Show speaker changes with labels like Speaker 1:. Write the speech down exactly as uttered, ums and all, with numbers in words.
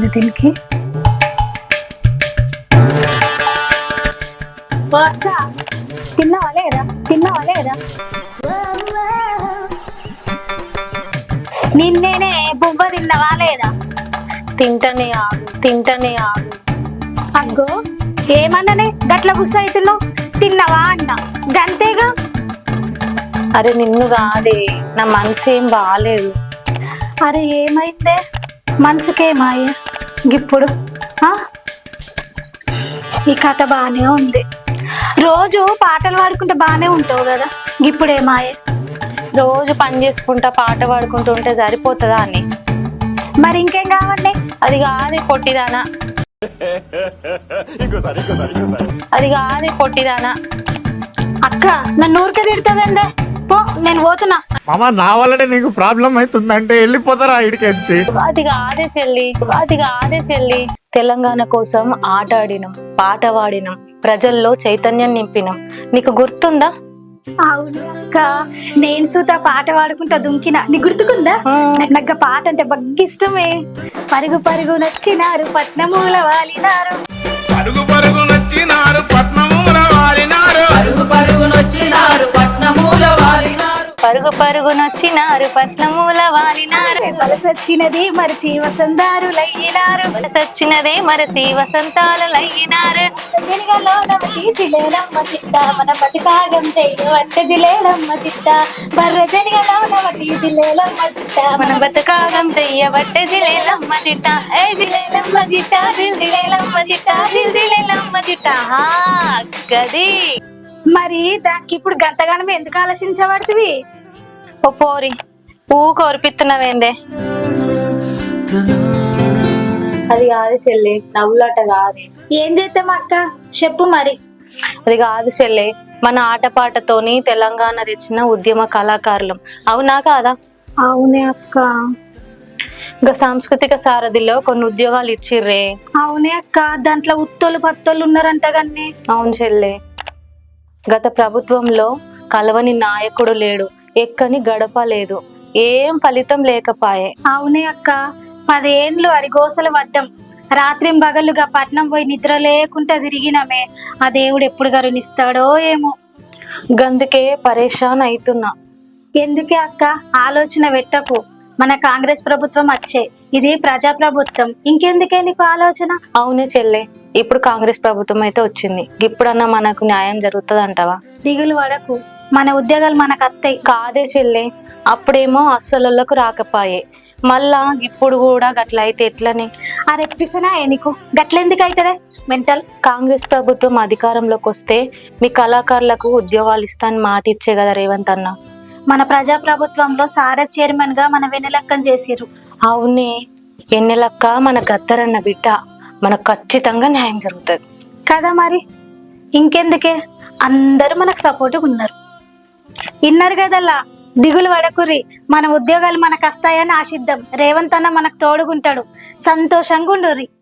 Speaker 1: దీనికి తిన్నావా లేదా తిన్నావా లేదా నిన్నేనే బువ్వ తిన్నావా లేదా
Speaker 2: తింటనే ఆగు తింటనే ఆగు.
Speaker 1: అగ్గో ఏమన్నానే గట్ల గుస్స అవుతున్నావు తిన్నావా అన్నా గంతేగా.
Speaker 2: అరే నిన్ను కాదే, నా మనసు ఏం బాగాలేదు.
Speaker 1: అరే ఏమైందే మనసుకేమాయ ఇప్పుడు ఆ? ఈ కథ బాగానే ఉంది, రోజు పాటలు పాడుకుంటే బాగానే ఉంటావు కదా, ఇప్పుడు ఏమాయే.
Speaker 2: రోజు పని చేసుకుంటా పాట పాడుకుంటూ ఉంటే సరిపోతుందా అని?
Speaker 1: మరి ఇంకేం కావాలి?
Speaker 2: అది కాదే పొట్టిదానా, అది కాదే పొట్టిదానా.
Speaker 1: అక్క నన్ను ఊరికే తిడతావేందే, పో నేను పోతున్నా.
Speaker 3: మామ నా వల్లనే నీకు ప్రాబ్లం అవుతుందంటే వెళ్ళిపోతారా ఇడికెచ్చి.
Speaker 2: అది కాదే చెల్లి, అది కాదే చెల్లి. తెలంగాణ కోసం ఆట ఆడినం, పాట పాడినం, ప్రజల్లో చైతన్యం నింపినం. నీకు గుర్తుందా?
Speaker 1: అవును అక్క, నేను సుతా పాట పాడుకుంటా దుంకిన, నీకు గుర్తుకుందా? నాకు పాట అంటే బాగా ఇష్టమే. పరుగు పరుగు నచ్చినారు పట్నమూల వాలినారు,
Speaker 4: పరుగు పరుగు నచ్చినారు పట్నమూల వాలినారు, పరుగు పరుగు నచ్చినారు పట్నమూల వాలినారు,
Speaker 2: పరుగు పరుగు నచ్చినారు పట్నమూల వాలినారు.
Speaker 1: వలసొచ్చినది మరచి వసంతారులయ్యినారు,
Speaker 2: వలసొచ్చినదే మరసి వసంతాలు లయ్యినారు.
Speaker 1: జనిగలో నమకి జిలేలమ్మ చిట్ట మన పతికాగం చెయ్యి వట్ట జిలేలమ్మ చిట్ట, బర్ర జనిగలో నమకి జిలేలమ్మ చిట్ట
Speaker 2: మన బతుకాగం చెయ్యబట్టే జిలేలమ్మ చిట్ట, ఏ జిలేలమ్మ చిట్ట, జిల్ జిలేలమ్మ చిట్ట, జిల్ జిలేలమ్మ చిట్ట. హా గది.
Speaker 1: మరి దానికి ఇప్పుడు గంతగానం ఎందుకు ఆలోచించబడుతుంది?
Speaker 2: ఓ పోరి ఊ కోరిపిస్తున్నవేందే. అది కాదు చెల్లి, నవ్వులాట కాదు.
Speaker 1: ఏం చేద్దాం అక్క చెప్పు మరి.
Speaker 2: అది కాదు చెల్లి, మన ఆటపాటతోని తెలంగాణ తెచ్చిన ఉద్యమ కళాకారులం, అవునా కాదా?
Speaker 1: అవునే అక్క.
Speaker 2: ఇంకా సాంస్కృతిక సారథిలో కొన్ని ఉద్యోగాలు ఇచ్చిర్రే.
Speaker 1: అవునే అక్క, దాంట్లో ఉత్తోళ్ళు పత్తోళ్ళు ఉన్నారంట కన్నీ.
Speaker 2: అవును చెల్లి, గత ప్రభుత్వంలో కలవని నాయకుడు లేడు, ఎక్కని గడప లేదు, ఏం ఫలితం లేకపాయే.
Speaker 1: అవునే అక్క, పదేండ్లు అరిగోసలు పడ్డం, రాత్రి బగలుగా పట్నం పోయి నిద్ర లేకుండా తిరిగినమే, ఆ దేవుడు ఎప్పుడు కరుణిస్తాడో ఏమో.
Speaker 2: గందుకే పరేషాన్ అవుతున్నా.
Speaker 1: ఎందుకే అక్క ఆలోచన పెట్టకు, మన కాంగ్రెస్ ప్రభుత్వం వచ్చే, ఇది ప్రజా ప్రభుత్వం, ఇంకెందుకే నీకు ఆలోచన.
Speaker 2: అవునే చెల్లె, ఇప్పుడు కాంగ్రెస్ ప్రభుత్వం అయితే వచ్చింది, ఇప్పుడన్నా మనకు న్యాయం జరుగుతుంది అంటావా?
Speaker 1: దిగులు పడకు, మన ఉద్యోగాలు మనకు అత్తాయి.
Speaker 2: కాదే చెల్లె, అప్పుడేమో అస్సలకు రాకపాయే, మళ్ళా ఇప్పుడు కూడా గట్ల అయితే ఎట్లని?
Speaker 1: ఆ రెప్పిసనా నీకు గట్లెందుకు అవుతుందే మెంటల్.
Speaker 2: కాంగ్రెస్ ప్రభుత్వం అధికారంలోకి వస్తే మీ కళాకారులకు ఉద్యోగాలు ఇస్తాను మాట ఇచ్చే కదా రేవంత్ అన్న.
Speaker 1: మన ప్రజా ప్రభుత్వంలో సారథ్ చైర్మన్ గా మన వెన్నెలక్కని చేసిర్రు.
Speaker 2: అవునే, ఎన్నెలక్క మన గద్దరన్న బిడ్డ, మనకు ఖచ్చితంగా న్యాయం జరుగుతుంది
Speaker 1: కదా. మరి ఇంకెందుకే, అందరూ మనకు సపోర్ట్గా ఉన్నారు, ఇన్నారు కదల్లా. దిగులు పడకుర్రి, మన ఉద్యోగాలు మనకు వస్తాయని ఆశిద్దాం, రేవంత్ అన్న మనకు తోడుగుంటాడు, సంతోషంగా ఉండుర్రి.